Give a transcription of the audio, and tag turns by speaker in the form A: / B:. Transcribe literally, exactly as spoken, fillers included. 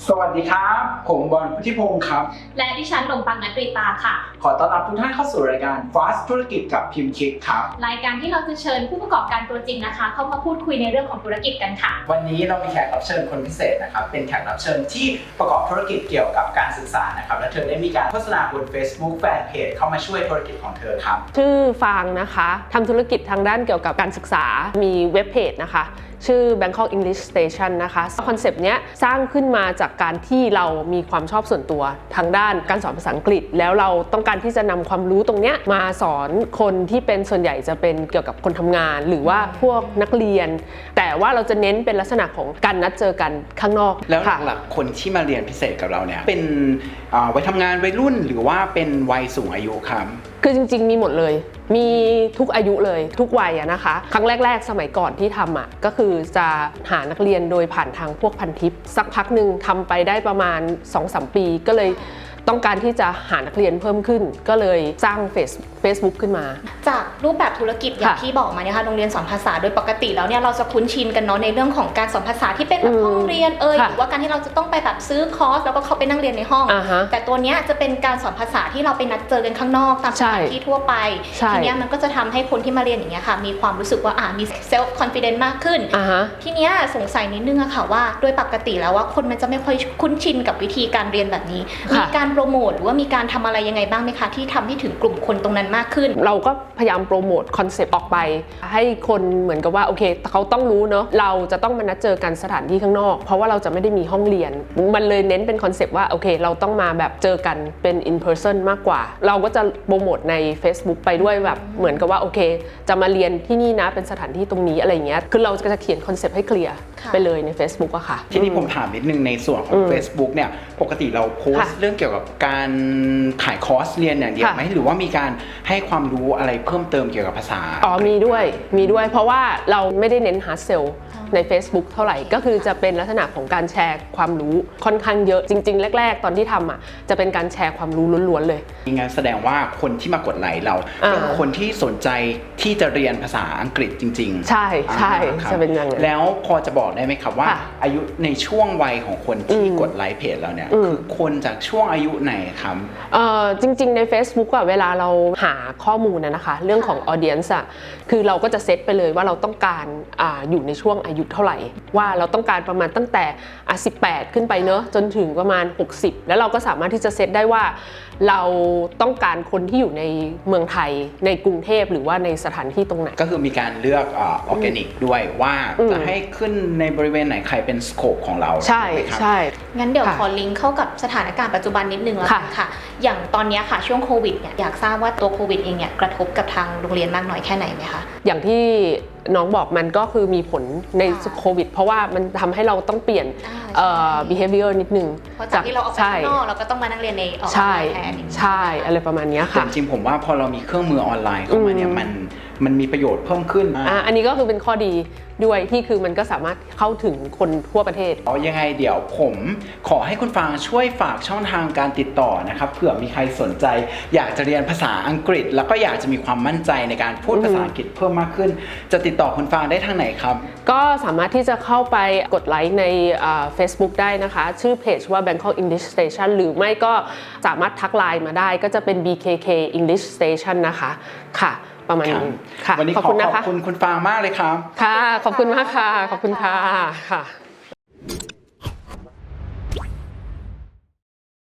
A: สวัสดีครับผมบอลพุทธิพงศ์ครับ
B: และดิฉันลมปังนัตรีตาค่ะ
A: ขอต้อนรับทุกท่านเข้าสู่รายการ Fast ธุรกิจกับพิมพ์คิดครับ
B: รายการที่เราจะเชิญผู้ประกอบการตัวจริงนะคะเข้ามาพูดคุยในเรื่องของธุรกิจกันค่ะ
A: วันนี้เรามีแขกรับเชิญคนพิเศษนะครับเป็นแขกรับเชิญที่ประกอบธุรกิจเกี่ยวกับการศึกษานะครับและเธอได้มีการโฆษณาบน Facebook Fanpage เข้ามาช่วยธุรกิจของเธอครับ
C: ชื่อฟางนะคะทำธุรกิจทางด้านเกี่ยวกับการศึกษามีเว็บเพจนะคะชื่อ Bangkok English Station นะคะคอนเซปต์เนี้ยสร้างขึ้นมาจากการที่เรามีความชอบส่วนตัวทางด้านการสอนภาษาอังกฤษแล้วเราต้องการที่จะนำความรู้ตรงเนี้ยมาสอนคนที่เป็นส่วนใหญ่จะเป็นเกี่ยวกับคนทำงานหรือว่าพวกนักเรียนแต่ว่าเราจะเน้นเป็นลักษณะของการนัดเจอกันข้างนอก
A: แล้วหลักๆคนที่มาเรียนพิเศษกับเราเนี่ยเป็นวัยทำงานวัยรุ่นหรือว่าเป็นวัยสูงอายุครับ
C: คือจริงๆมีหมดเลยมีทุกอายุเลยทุกวัยนะคะครั้งแรกๆสมัยก่อนที่ทำอ่ะก็คือจะหานักเรียนโดยผ่านทางพวกพันทิปสักพักหนึ่งทำไปได้ประมาณ สองถึงสาม ปีก็เลยต้องการที่จะหานักเรียนเพิ่มขึ้นก็เลยสร้างเฟซเฟซบุ๊กขึ้นมา
B: จากรูปแบบธุรกิจอย่างที่บอกมาเนี่ยค่ะโรงเรียนสอนภาษาโดยปกติแล้วเนี่ยเราจะคุ้นชินกันเนาะในเรื่องของการสอนภาษาที่เป็นแบบห้องเรียนเอ่ยหรือว่าการที่เราจะต้องไปแบบซื้อคอร์สแล้วก็เข้าไปนั่งเรียนในห้องแต่ตัวเนี้ยจะเป็นการสอนภาษาที่เราไปนัดเจอกันข้างนอกตามสถานที่ทั่วไปทีเนี้ยมันก็จะทำให้คนที่มาเรียนอย่างเงี้ยค่ะมีความรู้สึกว่าอ่ามีเซลฟ์คอนฟิเดนซ์มากขึ้นทีเนี้ยสงสัยนิดนึงอะค่ะว่าโดยปกติแล้วว่าคนมันจะไม่ค่อยคุ้นชินกับวิธีการเรียนแบบนี้มีการโปรโมทหรือว่ามีการทำอะไรยังไงบ้างไหมคะที่ทำให้ถึงกลุ่มคนตรงนั้นมากขึ้น
C: เราก็พยายามโปรโมทคอนเซปต์ออกไปให้คนเหมือนกับว่าโอเคเขาต้องรู้เนาะเราจะต้องมานัดเจอกันสถานที่ข้างนอกเพราะว่าเราจะไม่ได้มีห้องเรียนมันเลยเน้นเป็นคอนเซปต์ว่าโอเคเราต้องมาแบบเจอกันเป็น in person มากกว่าเราก็จะโปรโมทใน Facebook ไปด้วยแบบเหมือนกับว่าโอเคจะมาเรียนที่นี่นะเป็นสถานที่ตรงนี้อะไรเงี้ยคือเราจะเขียนคอนเซปต์ให้เคลียร์ไปเลยใน Facebook อะค่ะ
A: ทีนี้ผมถามนิดนึงในส่วนของ Facebook เนี่ยปกติเราโพสต์เรื่องเกี่ยวกับการขายคอร์สเรียนอย่างเดียวไหมหรือว่ามีการให้ความรู้อะไรเพิ่มเติมเกี่ยวกับภาษา
C: อ๋อมีด้วยมีด้วยเพราะว่าเราไม่ได้เน้น hard sell ใน Facebook เท่าไหร่ก็คือจะเป็นลักษณะของการแชร์ความรู้ค่อนข้างเยอะจริงๆแรกๆตอนที่ทำอ่ะจะเป็นการแชร์ความรู้ล้วนๆเลย
A: งั้นแสดงว่าคนที่มากดไลค์เราเป็นคนที่สนใจที่จะเรียนภาษาอังกฤษจริง
C: ๆใช่ใช่จะเป็นอย่างนั้น
A: แล้วพอจะบอกได้ไหมครับว่าอายุในช่วงวัยของคนที่กดไลค์เพจเราเนี่ยคือคนจากช่วงอายุไหนครับ
C: เอ่อจริงๆใน Facebook อ่ะเวลาเราหาข้อมูลนะนะคะเรื่องของ audience อ่ะคือเราก็จะเซตไปเลยว่าเราต้องการอ่าอยู่ในช่วงอายุเท่าไหร่ว่าเราต้องการประมาณตั้งแต่อ่ะสิบแปดขึ้นไปเนอะจนถึงประมาณหกสิบแล้วเราก็สามารถที่จะเซตได้ว่าเราต้องการคนที่อยู่ในเมืองไทยในกรุงเทพหรือว่าในสถานที่ตรงไหน
A: ก็คือมีการเลือกออร์แกนิกด้วยว่าจะให้ขึ้นในบริเวณไหนใครเป็นสโคปของเรา
C: ใช่ใช่
B: งั้นเดี๋ยวขอลิงก์เข้ากับสถานการณ์ปัจจุบันนิดนึงแล้วกันค่ะอย่างตอนนี้ค่ะช่วงโควิดเนี่ยอยากทราบว่าตัวโควิดเองเนี่ยกระทบกับทางโรงเรียนมากน้อยแค่ไหนไหมคะ
C: อย่างที่น้องบอกมันก็คือมีผลในโควิดเพราะว่ามันทำให้เราต้องเปลี่ยน behavior นิดนึง
B: เพราะจากที่เราออกไปข้างนอกเราก็ต้องมานั่งเรียนในออนไลน์แทน
C: ใช่อะไรประมาณนี้ค่ะ
A: จริงๆผมว่าพอเรามีเครื่องมือออนไลน์เข้ามาเนี่ยมันมันมีประโยชน์เพิ่มขึ้น
C: อ่าอันนี้ก็คือเป็นข้อดีด้วยที่คือมันก็สามารถเข้าถึงคนทั่วประเทศ
A: เอายังไงเดี๋ยวผมขอให้คุณฟางช่วยฝากช่องทางการติดต่อนะครับเผื่อมีใครสนใจอยากจะเรียนภาษาอังกฤษแล้วก็อยากจะมีความมั่นใจในการพูดภาษาอังกฤษเพิ่มมากขึ้นจะติดต่อคุณฟางได้ทางไหนครับ
C: ก็สามารถที่จะเข้าไปกดไลค์ใน Facebook ได้นะคะชื่อเพจว่า Bangkok English Station หรือไม่ก็สามารถทักไลน์มาได้ก็จะเป็น บี เค เค English Station นะคะค่ะประมาณนี้
A: ค่ะวันนี้ขอขอบคุณคุณฟางมากเลยครับ
C: ค่ะขอบคุณมากค่ะขอบคุณค่ะค่ะ